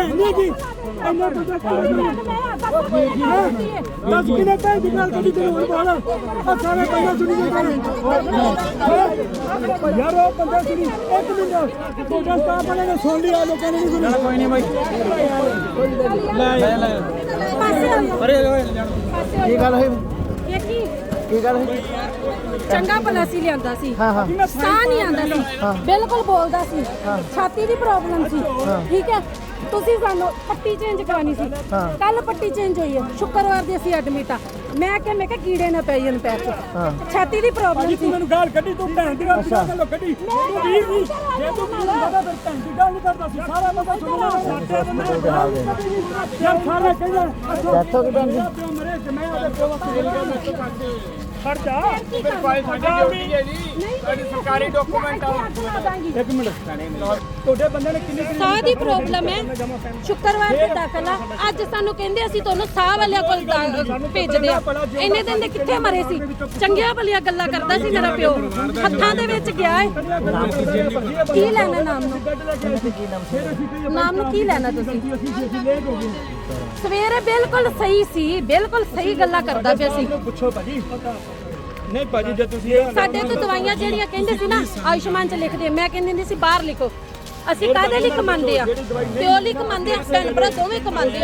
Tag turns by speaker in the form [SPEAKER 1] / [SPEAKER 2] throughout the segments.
[SPEAKER 1] नहीं की अन्ना बंदा दस किलो पे निकाल के तेरे और बोला और सारे बंदा सुनी के करे यार वो बंदा सुनी एक मिनट तो जब का बने ने सुन लिया लोगों ने नहीं सुना कोई नहीं भाई ले अरे ये गल है
[SPEAKER 2] ये की
[SPEAKER 1] ਕੀ ਗੱਲ ਹੈ
[SPEAKER 2] ਚੰਗਾ ਭਲਾ ਸੀ ਲਿਆਂਦਾ ਸੀ ਸਾਹ ਨਹੀਂ ਆਂਦਾ ਸੀ ਬਿਲਕੁਲ ਬੋਲਦਾ ਸੀ ਛਾਤੀ ਦੀ ਪ੍ਰੋਬਲਮ ਸੀ ਠੀਕ ਹੈ ਤੁਸੀਂ ਸਾਨੂੰ ਪੱਟੀ ਚੇਂਜ ਕਰਾਣੀ ਸੀ ਕੱਲ ਪੱਟੀ ਚੇਂਜ ਹੋਈ ਹੈ ਸ਼ੁੱਕਰਵਾਰ ਦੀ ਅਸੀਂ ਐਡਮਿਟ ਆ ਮੈਂ ਕਿਹਾ ਕੀੜੇ ਨਾ ਪੈ ਜਾਣ ਪੈਰ 'ਚ ਛਾਤੀ ਦੀ ਪ੍ਰੋਬਲਮ ਸੀ
[SPEAKER 1] ਮੈਨੂੰ ਗਾਲ ਕੱਢੀ ਤੂੰ ਭੈਣ ਦੀ ਗੱਲ ਗੱਲੋਂ ਕੱਢੀ ਤੂੰ ਵੀਰ ਨਹੀਂ ਜੇ ਤੂੰ ਮੈਨੂੰ ਪਤਾ ਫਿਰ ਭੈਣ ਦੀ ਗੱਲ ਨਹੀਂ ਕਰਦਾ ਸੀ ਸਾਰਾ ਬੰਦਾ ਸੁਣਨਾ ਸਾਡੇ ਬੰਦੇ ਯਾਰ ਸਾਰੇ ਕਹਿੰਦੇ ਦੱਸੋ ਕਿ ਭੈਣ ਜੀ ਮਰੇ ਤੇ ਮੈਂ ਉਹਦੇ ਪਿਓ ਵਾਸਤੇ ਗੱਲ ਕਰਦਾ ਖੜ ਜਾ ਫਿਰ ਫਾਈਲ ਸਾਡੀ ਡਿਊਟੀ ਹੈ ਜੀ ਸਾਡੀ ਸਰਕਾਰੀ ਡਾਕੂਮੈਂਟ ਆ ਇੱਕ ਮਿੰਟ ਤੁਹਾਡੇ ਬੰਦੇ ਨੇ ਕਿੰਨੀ
[SPEAKER 2] ਸਾਹ ਦੀ ਪ੍ਰੋਬਲਮ ਹੈ ਸ਼ੁੱਕਰਵਾਰ ਤੇ ਦਾਖਲ ਆ ਅੱਜ ਸਾਨੂੰ ਕਹਿੰਦੇ ਅਸੀਂ ਤੁਹਾਨੂੰ ਸਾਹ ਵਾਲਿਆਂ ਕੋਲ ਭੇਜਦੇ ਆ ਇੰਨੇ ਦਿਨ ਦੇ ਕਿੱਥੇ ਮਰੇ ਸੀ ਚੰਗੀਆਂ ਭਲੀਆਂ ਗੱਲਾਂ ਕਰਦਾ ਸੀ ਮੇਰਾ ਪਿਓ ਹੱਥਾਂ ਦੇ ਵਿੱਚ ਗਿਆ ਹੈ ਕੀ ਲੈਣਾ ਨਾਮ ਨੂੰ ਕੀ ਲੈਣਾ ਤੁਸੀਂ ਸਵੇਰੇ ਬਿਲਕੁਲ ਸਹੀ ਸੀ ਬਿਲਕੁਲ ਸਹੀ ਗੱਲਾਂ ਕਰਦਾ ਪਿਆ ਸੀ
[SPEAKER 1] ਪੁੱਛੋ ਭਾਜੀ ਨਹੀਂ ਭਾਜੀ ਜੇ ਤੁਸੀਂ
[SPEAKER 2] ਸਾਡੇ ਤੋਂ ਦਵਾਈਆਂ ਜਿਹੜੀਆਂ ਕਹਿੰਦੇ ਸੀ ਨਾ ਆਯੁਸ਼ਮਾਨ ਚ ਲਿਖਦੇ ਮੈਂ ਕਹਿੰਦੀ ਹੁੰਦੀ ਸੀ ਬਾਹਰ ਲਿਖੋ ਅਸੀਂ ਕਾਹਦੇ ਲਈ ਕਮਾਉਂਦੇ ਆ ਪਿਓ ਲਈ ਕਮਾਉਂਦੇ ਆ ਭੈਣ ਭਰਾ ਦੋਵੇਂ ਕਮਾਉਂਦੇ ਆ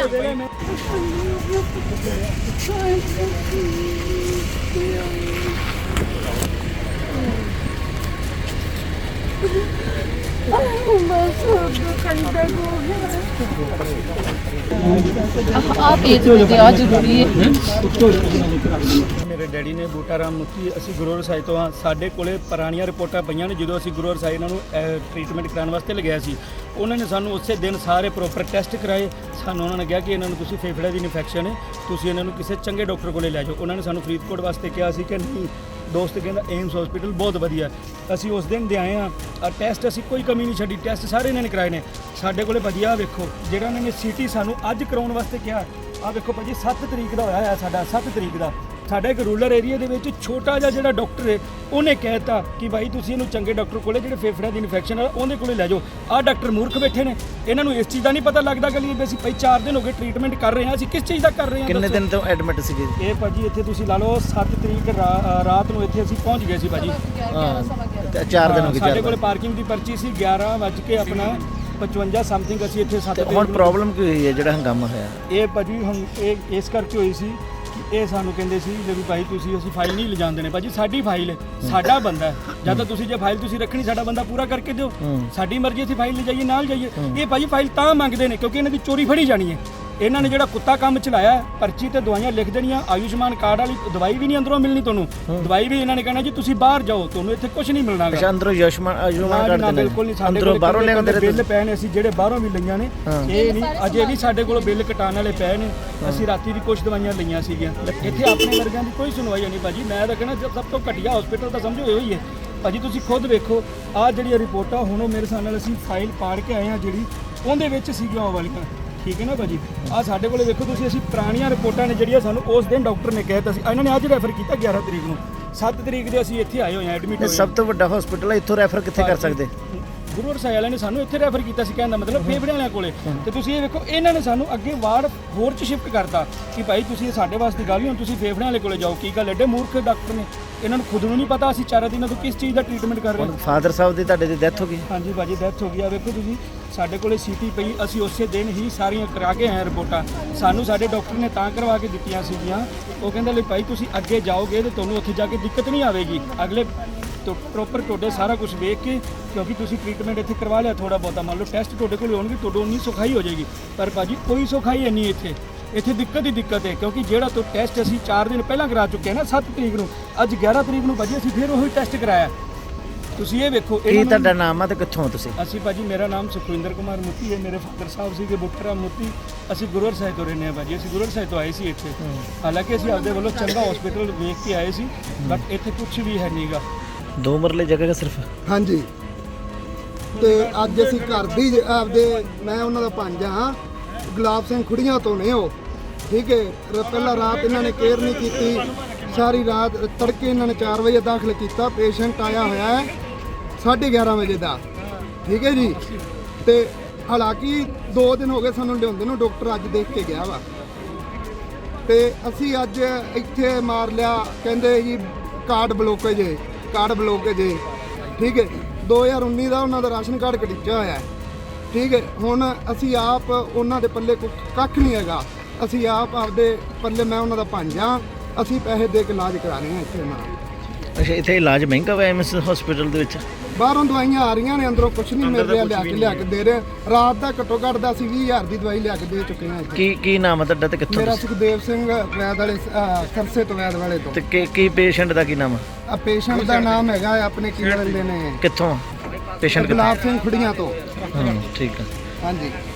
[SPEAKER 3] आप ये दिया जरूरी है
[SPEAKER 1] ਮੇਰੇ ਡੈਡੀ ਨੇ ਬੂਟਾ ਰਾਮ ਮੁਖੀ ਅਸੀਂ ਗੁਰੂ ਰਸਾਈ ਤੋਂ ਹਾਂ ਸਾਡੇ ਕੋਲੇ ਪੁਰਾਣੀਆਂ ਰਿਪੋਰਟਾਂ ਪਈਆਂ ਨੇ ਜਦੋਂ ਅਸੀਂ ਗੁਰੂ ਰਸਾਈ ਇਹਨਾਂ ਨੂੰ ਟ੍ਰੀਟਮੈਂਟ ਕਰਾਉਣ ਵਾਸਤੇ ਲਗਾਇਆ ਸੀ ਉਹਨਾਂ ਨੇ ਸਾਨੂੰ ਉਸੇ ਦਿਨ ਸਾਰੇ ਪ੍ਰੋਪਰ ਟੈਸਟ ਕਰਾਏ ਸਾਨੂੰ ਉਹਨਾਂ ਨੇ ਕਿਹਾ ਕਿ ਇਹਨਾਂ ਨੂੰ ਤੁਸੀਂ ਫੇਫੜੇ ਦੀ ਇਨਫੈਕਸ਼ਨ ਹੈ ਤੁਸੀਂ ਇਹਨਾਂ ਨੂੰ ਕਿਸੇ ਚੰਗੇ ਡਾਕਟਰ ਕੋਲੇ ਲੈ ਜਾਓ ਉਹਨਾਂ ਨੇ ਸਾਨੂੰ ਫਰੀਦਕੋਟ ਵਾਸਤੇ ਕਿਹਾ ਸੀ ਕਿ ਨਹੀਂ ਦੋਸਤ ਕਹਿੰਦਾ ਏਮਸ ਹਸਪੀਟਲ ਬਹੁਤ ਵਧੀਆ ਅਸੀਂ ਉਸ ਦਿਨ ਦੇ ਆਏ ਆ ਟੈਸਟ ਅਸੀਂ ਕੋਈ ਕਮੀ ਨਹੀਂ ਛੱਡੀ ਟੈਸਟ ਸਾਰੇ ਇਹਨਾਂ ਨੇ ਕਰਾਏ ਨੇ ਸਾਡੇ ਕੋਲੇ ਵਧੀਆ ਵੇਖੋ ਜਿਹੜਾ ਇਹਨਾਂ ਨੇ ਸੀਟੀ ਸਾਨੂੰ ਅੱਜ ਕਰਾਉਣ ਵਾਸਤੇ ਕਿਹਾ ਆ ਵੇਖੋ ਭਾਜੀ 7 ਤਰੀਕ ਦਾ ਹੋਇਆ ਹੈ ਸਾਡਾ 7 ਤਰੀਕ ਦਾ ਸਾਡਾ ਇੱਕ ਰੂਰਲ ਏਰੀਆ ਦੇ ਵਿੱਚ ਛੋਟਾ ਜਿਹਾ ਜਿਹੜਾ ਡਾਕਟਰ ਹੈ ਉਹਨੇ ਕਹਿਤਾ ਕਿ ਭਾਈ ਤੁਸੀਂ ਇਹਨੂੰ ਚੰਗੇ ਡਾਕਟਰ ਕੋਲੇ ਜਿਹੜੇ ਫੇਫੜਿਆਂ ਦੀ ਇਨਫੈਕਸ਼ਨ ਆ ਉਹਦੇ ਕੋਲੇ ਲੈ ਜਾਓ ਆਹ ਡਾਕਟਰ ਮੂਰਖ ਬੈਠੇ ਨੇ ਇਹਨਾਂ ਨੂੰ ਇਸ ਚੀਜ਼ ਦਾ ਨਹੀਂ ਪਤਾ ਲੱਗਦਾ ਕਿ ਲਈ ਅਸੀਂ ਭਾਈ 4 ਦਿਨ ਹੋ ਗਏ ਟ੍ਰੀਟਮੈਂਟ ਕਰ ਰਹੇ ਹਾਂ ਅਸੀਂ ਕਿਸ ਚੀਜ਼ ਦਾ ਕਰ ਰਹੇ ਹਾਂ
[SPEAKER 4] ਕਿੰਨੇ ਦਿਨ ਤੋਂ ਐਡਮਿਟ ਸੀਗੇ
[SPEAKER 1] ਇਹ ਭਾਜੀ ਇੱਥੇ ਤੁਸੀਂ ਲਾ ਲਓ 7 ਤਰੀਕ ਰਾਤ ਨੂੰ ਇੱਥੇ ਅਸੀਂ ਪਹੁੰਚ ਗਏ ਸੀ ਭਾਜੀ
[SPEAKER 4] 4 ਦਿਨ ਹੋ ਗਏ
[SPEAKER 1] ਸਾਡੇ ਕੋਲੇ ਪਾਰਕਿੰਗ ਦੀ ਪਰਚੀ ਸੀ 11 ਵਜੇ ਕੇ ਆਪਣਾ 55 ਸਮਥਿੰਗ ਅਸੀਂ ਇੱਥੇ 7 ਦਿਨ
[SPEAKER 4] ਹੁਣ ਪ੍ਰੋਬਲਮ ਕੀ ਹੋਈ ਹੈ ਜਿਹੜਾ ਹੰਗਾਮਾ ਹੋਇਆ
[SPEAKER 1] ਇਹ ਭਾਜੀ ਹੁਣ ਇਹ ਇਸ ਕਰਕੇ ਹੋਈ ਸੀ ਕਿ ਇਹ ਸਾਨੂੰ ਕਹਿੰਦੇ ਸੀ ਜੇ ਵੀ ਭਾਈ ਤੁਸੀਂ ਅਸੀਂ ਫਾਈਲ ਨਹੀਂ ਲਿਜਾਣ ਦੇਣੇ ਭਾਜੀ ਸਾਡੀ ਫਾਈਲ ਹੈ ਸਾਡਾ ਬੰਦਾ ਹੈ ਜਾਂ ਤਾਂ ਤੁਸੀਂ ਜੇ ਫਾਈਲ ਤੁਸੀਂ ਰੱਖਣੀ ਸਾਡਾ ਬੰਦਾ ਪੂਰਾ ਕਰਕੇ ਦਿਓ ਸਾਡੀ ਮਰਜ਼ੀ ਅਸੀਂ ਫਾਈਲ ਲਿਜਾਈਏ ਨਾਲ ਜਾਈਏ ਇਹ ਭਾਜੀ ਫਾਈਲ ਤਾਂ ਮੰਗਦੇ ਨੇ ਕਿਉਂਕਿ ਇਹਨਾਂ ਦੀ ਚੋਰੀ ਫੜੀ ਜਾਣੀ ਹੈ ਇਹਨਾਂ ਨੇ ਜਿਹੜਾ ਕੁੱਤਾ ਕੰਮ ਚਲਾਇਆ ਪਰਚੀ ਤੇ ਦਵਾਈਆਂ ਲਿਖ ਦੇਣੀਆਂ ਆਯੁਸ਼ਮਾਨ ਕਾਰਡ ਵਾਲੀ ਦਵਾਈ ਵੀ ਨਹੀਂ ਅੰਦਰੋਂ ਮਿਲਣੀ ਤੁਹਾਨੂੰ ਦਵਾਈ ਵੀ ਇਹਨਾਂ ਨੇ ਕਹਿਣਾ ਜੀ ਤੁਸੀਂ ਬਾਹਰ ਜਾਓ ਤੁਹਾਨੂੰ ਇੱਥੇ ਕੁਝ ਨਹੀਂ ਮਿਲਣਾ
[SPEAKER 4] ਅੱਛਾ ਅੰਦਰੋਂ ਆਯੁਸ਼ਮਾਨ ਕਾਰਡ ਦੇ
[SPEAKER 1] ਬਿਲਕੁਲ ਨਹੀਂ ਸਾਡੇ ਕੋਲ ਬਾਹਰੋਂ ਲਿਆਉਂਦੇ ਬਿੱਲ ਪਏ ਨੇ ਅਸੀਂ ਜਿਹੜੇ ਬਾਹਰੋਂ ਵੀ ਲਈਆਂ ਨੇ ਇਹ ਨਹੀਂ ਅਜੇ ਵੀ ਸਾਡੇ ਕੋਲ ਬਿੱਲ ਕਟਾਉਣ ਵਾਲੇ ਪਏ ਨੇ ਅਸੀਂ ਰਾਤੀ ਵੀ ਕੁਝ ਦਵਾਈਆਂ ਲਈਆਂ ਸੀਗੀਆਂ ਇੱਥੇ ਆਪਣੇ ਵਰਗਿਆਂ ਦੀ ਕੋਈ ਸੁਣਵਾਈ ਨਹੀਂ ਭਾਜੀ ਮੈਂ ਤਾਂ ਕਹਿਣਾ ਸਭ ਤੋਂ ਘਟੀਆ ਹਸਪੀਟਲ ਤਾਂ ਸਮਝੋ ਇਹੋ ਹੀ ਹੈ ਭਾਜੀ ਤੁਸੀਂ ਖੁਦ ਵੇਖੋ ਆਹ ਜਿਹੜੀਆਂ ਰਿਪੋਰਟਾਂ ਹੁਣ ਉਹ ਮੇਰੇ ਹਿਸਾਬ ਨਾਲ ਅਸੀਂ ਫਾਈਲ ਪਾੜ ਕੇ ਆਏ ਹਾਂ ਜਿਹੜੀ ਉਹਦੇ ਵਿੱਚ ਸੀਗੀਆਂ ਉਹ ਵਾਲੀਆਂ ਠੀਕ ਹੈ ਨਾ ਭਾਜੀ ਆ ਸਾਡੇ ਕੋਲੇ ਵੇਖੋ ਤੁਸੀਂ ਅਸੀਂ ਪੁਰਾਣੀਆਂ ਰਿਪੋਰਟਾਂ ਨੇ ਜਿਹੜੀਆਂ ਸਾਨੂੰ ਉਸ ਦਿਨ ਡਾਕਟਰ ਨੇ ਕਹਿਤਾ ਸੀ ਇਹਨਾਂ ਨੇ ਅੱਜ ਰੈਫਰ ਕੀਤਾ 11 ਤਰੀਕ ਨੂੰ 7 ਤਰੀਕ ਦੇ ਅਸੀਂ ਇੱਥੇ ਆਏ ਹੋਏ ਹਾਂ ਐਡਮਿਟ ਹੋਏ
[SPEAKER 4] ਸਭ ਤੋਂ ਵੱਡਾ ਹਸਪੀਟਲ ਹੈ ਇੱਥੋਂ ਰੈਫਰ ਕਿੱਥੇ ਕਰ ਸਕਦੇ
[SPEAKER 1] ਗੁਰੂ ਰਸਾਈ ਵਾਲਿਆਂ ਨੇ ਸਾਨੂੰ ਇੱਥੇ ਰੈਫਰ ਕੀਤਾ ਸੀ ਕਹਿਣ ਦਾ ਮਤਲਬ ਫੇਫੜਿਆਂ ਵਾਲਿਆਂ ਕੋਲੇ ਤੇ ਤੁਸੀਂ ਇਹ ਵੇਖੋ ਇਹਨਾਂ ਨੇ ਸਾਨੂੰ ਅੱਗੇ ਵਾਰਡ ਹੋਰ ਚ ਸ਼ਿਫਟ ਕਰਤਾ ਕਿ ਭਾਈ ਤੁਸੀਂ ਸਾਡੇ ਵਾਸਤੇ ਗੱਲ ਹੀ ਹੁਣ ਤੁਸੀਂ ਫੇਫੜਿਆਂ ਵਾਲੇ ਕੋਲੇ ਜਾਓ ਕੀ ਗੱਲ ਐਡੇ ਮੂਰਖ ਡਾਕਟਰ ਨੇ ਇਹਨਾਂ ਨੂੰ ਖੁਦ ਨੂੰ ਨਹੀਂ ਪਤਾ ਅਸੀਂ 4 ਦਿਨਾਂ ਤੋਂ ਕਿਸ ਚੀਜ਼ ਦਾ ਟ੍ਰੀਟਮੈਂਟ ਕਰ ਰਹੇ ਹਾਂ
[SPEAKER 4] ਫਾਦਰ ਸਾਹਿਬ ਦੀ ਤੁਹਾਡੇ ਦੀ ਡੈਥ ਹੋ ਗਈ
[SPEAKER 1] ਹਾਂਜੀ ਭਾਜੀ ਡੈਥ ਹੋ ਗਈ ਆ ਵੇਖੋ ਤੁਸੀਂ ਸਾਡੇ ਕੋਲੇ ਸੀਟੀ ਪਈ ਅਸੀਂ ਉਸੇ ਦਿਨ ਹੀ ਸਾਰੀਆਂ ਕਰਾ ਕੇ ਆਏ ਰਿਪੋਰਟਾਂ ਸਾਨੂੰ ਸਾਡੇ ਡਾਕਟਰ ਨੇ ਤਾਂ ਕਰਵਾ ਕੇ ਦਿੱਤੀਆਂ ਸੀਗੀਆਂ ਉਹ ਕਹਿੰਦਾ ਲਈ ਭਾਈ ਤੁਸੀਂ ਅੱਗੇ ਜਾਓਗੇ ਤੇ ਤੁਹਾਨੂੰ ਉੱਥੇ ਜਾ ਕੇ ਦਿੱਕਤ ਨਹੀਂ ਆਵੇਗੀ ਅਗਲੇ ਪ੍ਰੋਪਰ ਤੁਹਾਡੇ ਸਾਰਾ ਕੁਝ ਵੇਖ ਕੇ ਕਿਉਂਕਿ ਤੁਸੀਂ ਟ੍ਰੀਟਮੈਂਟ ਇੱਥੇ ਕਰਵਾ ਲਿਆ ਥੋੜਾ ਬਹੁਤਾ ਮੰਨ ਲਓ ਟੈਸਟ ਤੁਹਾਡੇ ਕੋਲ ਹੋਣਗੇ ਤੁਹਾਡੇ ਉਨੀ ਸੌਖਾਈ ਹੋ ਜਾਏਗੀ ਪਰ ਭਾਜੀ ਕੋਈ ਸੌਖਾਈ ਨਹੀਂ ਇੱਥੇ ਦਿੱਕਤ ਹੀ ਦਿੱਕਤ ਹੈ ਕਿਉਂਕਿ ਜਿਹੜਾ ਤੋਂ ਟੈਸਟ ਅਸੀਂ 4 ਦਿਨ ਪਹਿਲਾਂ ਕਰਾ ਚੁੱਕੇ ਹਾਂ ਨਾ 7 ਤਰੀਕ ਨੂੰ ਅੱਜ 11 ਤਰੀਕ ਨੂੰ ਭਾਜੀ ਅਸੀਂ ਫਿਰ ਉਹੀ ਟੈਸਟ ਕਰਾਇਆ ਤੁਸੀਂ ਇਹ ਵੇਖੋ
[SPEAKER 4] ਕੀ ਤੁਹਾਡਾ ਨਾਮ ਆ ਤੇ ਕਿੱਥੋਂ ਤੁਸੀਂ
[SPEAKER 1] ਅਸੀਂ ਭਾਜੀ ਮੇਰਾ ਨਾਮ ਸੁਖਵਿੰਦਰ ਕੁਮਾਰ ਮੁੱਤੀ ਹੈ ਮੇਰੇ ਫਾਦਰ ਸਾਹਿਬ ਸੀਗੇ ਬੂਟਾ ਰਾਮ ਮੁੱਤੀ ਅਸੀਂ ਗੁਰੂ ਰਸਾਈ ਤੋਂ ਰਹਿੰਦੇ ਹਾਂ ਭਾਜੀ ਅਸੀਂ ਗੁਰੂ ਰਸਾਈ ਤੋਂ ਆਏ ਸੀ ਇੱਥੇ ਹਾਲਾਂਕਿ ਅਸੀਂ ਆਪਦੇ ਵੱਲੋਂ ਚੰਗਾ ਹਸਪੀਟਲ ਵੇਖ ਕੇ ਆਏ ਸੀ ਬਟ ਇੱਥੇ ਕੁਝ ਵੀ ਹੈ ਨਹੀਂਗਾ
[SPEAKER 4] 2 ਮਰਲੇ ਜਗ੍ਹਾ ਸਿਰਫ
[SPEAKER 5] ਹਾਂਜੀ ਤੇ ਅੱਜ ਅਸੀਂ ਘਰ ਦੀ ਆਪਦੇ ਮੈਂ ਉਹਨਾਂ ਦਾ ਭਾਂਜਾ ਹਾਂ ਗੁਲਾਬ ਸਿੰਘ ਖੁੜੀਆਂ ਤੋਂ ਨੇ ਉਹ ਠੀਕ ਹੈ ਪਹਿਲਾਂ ਰਾਤ ਇਹਨਾਂ ਨੇ ਕੇਅਰ ਨਹੀਂ ਕੀਤੀ ਸਾਰੀ ਰਾਤ ਤੜਕੇ ਇਹਨਾਂ ਨੇ 4 ਵਜੇ ਦਾਖਲ ਕੀਤਾ ਪੇਸ਼ੈਂਟ ਆਇਆ ਹੋਇਆ ਹੈ 11:30 ਵਜੇ ਦਾ ਠੀਕ ਹੈ ਜੀ ਤੇ ਹਾਲਾਂਕਿ 2 ਦਿਨ ਹੋ ਗਏ ਸਾਨੂੰ ਲਿਆਉਂਦੇ ਨੂੰ, ਡਾਕਟਰ ਅੱਜ ਦੇਖ ਕੇ ਗਿਆ ਵਾ। ਤੇ ਅਸੀਂ ਅੱਜ ਇੱਥੇ ਮਾਰ ਲਿਆ, ਕਹਿੰਦੇ ਜੀ ਕਾਰਡ ਬਲੋਕੇਜ ਹੈ, ਕਾਰਡ ਬਲੋਕੇਜ ਹੈ। ਠੀਕ ਹੈ, 2019 ਦਾ ਉਹਨਾਂ ਦਾ ਰਾਸ਼ਨ ਕਾਰਡ ਕਟਿੱਚਾ ਹੋਇਆ ਹੈ। ਠੀਕ ਹੈ, ਹੁਣ ਅਸੀਂ ਆਪ ਉਹਨਾਂ ਦੇ ਪੱਲੇ ਕੱਖ ਨਹੀਂ ਹੈਗਾ, ਅਸੀਂ ਆਪ ਆਪਦੇ ਪੱਲੇ, ਮੈਂ ਉਹਨਾਂ ਦਾ ਭਾਂਜਾ, ਅਸੀਂ ਪੈਸੇ ਦੇ ਕੇ ਇਲਾਜ ਕਰਾ ਰਹੇ ਹਾਂ ਇੱਥੇ ਨਾਲ।
[SPEAKER 4] ਅੱਛਾ, ਇੱਥੇ ਇਲਾਜ ਮਹਿੰਗਾ ਹੋਇਆ ਐਮਐਸ ਹਸਪੀਟਲ ਦੇ ਵਿੱਚ?
[SPEAKER 5] ਬਾਹਰੋਂ ਦਵਾਈਆਂ ਆ ਰਹੀਆਂ ਨੇ, ਅੰਦਰੋਂ ਕੁਝ ਨਹੀਂ ਮਿਲ ਰਿਹਾ, ਲਿਆ ਕੇ ਦੇ ਰਹੇ। ਰਾਤ ਦਾ ਘੱਟੋ ਘੱਟ ਦਾ ਅਸੀਂ 20,000 ਦੀ ਦਵਾਈ ਲਿਆ ਕੇ ਦੇ ਚੁੱਕੇ ਹਾਂ ਇੱਥੇ।
[SPEAKER 4] ਕੀ ਨਾਮ ਹੈ ਤੁਹਾਡਾ ਤੇ ਕਿੱਥੋਂ
[SPEAKER 5] ਮੇਰਾ
[SPEAKER 4] ਤੁਸੀਂ?
[SPEAKER 5] ਸੁਖਦੇਵ ਸਿੰਘ ਵੈਦ ਵਾਲੇ ਸਰਸੇ ਤੋਂ, ਵੈਦ ਵਾਲੇ ਤੋਂ।
[SPEAKER 4] ਤੇ ਕੀ ਪੇਸ਼ੈਂਟ ਦਾ ਕੀ ਨਾਮ ਹੈ?
[SPEAKER 5] ਪੇਸ਼ੈਂਟ ਦਾ ਨਾਮ ਹੈਗਾ ਆਪਣੇ ਕੀ ਕਹਿੰਦੇ ਨੇ,
[SPEAKER 4] ਕਿੱਥੋਂ ਪੇਸ਼ੈਂਟ?
[SPEAKER 5] ਗੁਲਾਬ ਸਿੰਘ ਖੁੜੀਆਂ ਤੋਂ।
[SPEAKER 4] ਠੀਕ ਹੈ।
[SPEAKER 5] ਹਾਂਜੀ।